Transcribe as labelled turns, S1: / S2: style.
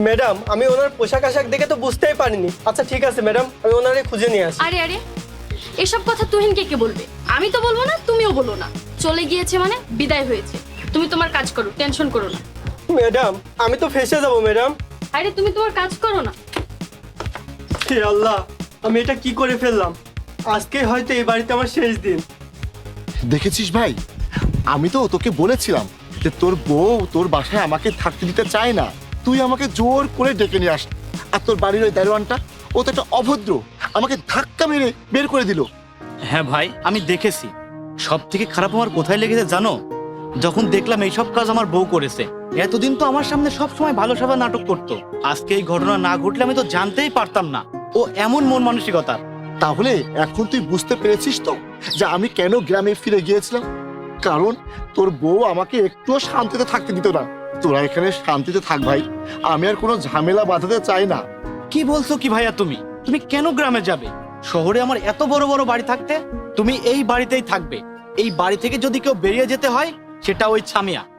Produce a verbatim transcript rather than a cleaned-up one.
S1: Madam আমি ওনার পোশাক আশাক দেখে তো বুঝতেই পারিনি। আচ্ছা ঠিক আছে ম্যাডাম, আমি ওনারে খুঁজে নিয়ে আসি।
S2: আরে আরে এসব কথা তুহিনকে কে বলবে? আমি তো বলবো না, তুমিও বলো না। চলে গিয়েছে মানে বিদায় হয়েছে। তুমি তোমার কাজ করো, টেনশন করো না।
S1: ম্যাডাম আমি তো ফেসে যাবো ম্যাডাম।
S2: আরে তুমি তোমার কাজ করো না।
S1: হে আল্লাহ, আমি এটা কি করে ফেললাম? আজকে হয়তো এই বাড়িতে আমার শেষ দিন।
S3: দেখেছিস ভাই, আমি তো তোকে বলেছিলাম যে তোর বউ তোর বাসায় আমাকে থাকতে দিতে চায় না, তুই আমাকে জোর করে ডেকে নিয়ে আস। আর তোর বাড়ির ওই দারোয়ানটা, ও তো একটা অভদ্র, আমাকে ধাক্কা মেরে বের করে দিল।
S4: হ্যাঁ ভাই, আমি দেখেছি। সব থেকে খারাপ আমার কোথায় লেগেছে জানো? যখন দেখলাম এইসব কাজ আমার বউ করেছে। এতদিন তো আমার সামনে সব সময় ভালো সাবা নাটক করতো। আজকে এই ঘটনা না ঘটলে আমি তো জানতেই পারতাম না ও এমন মন মানসিকতার।
S3: তাহলে এখন তুই বুঝতে পেরেছিস তো যে আমি কেন গ্রামে ফিরে গিয়েছিলাম? কারণ তোর বউ আমাকে একটুও শান্তিতে থাকতে দিত না। তোরা এখানে শান্তিতে থাক ভাই, আমি আর কোনো ঝামেলা বাঁধাতে চাই না।
S4: কি বলছো কি ভাইয়া তুমি? তুমি কেন গ্রামে যাবে? শহরে আমার এত বড় বড় বাড়ি থাকতে তুমি এই বাড়িতেই থাকবে। এই বাড়ি থেকে যদি কেউ বেরিয়ে যেতে হয় সেটা ওই ছামিয়া।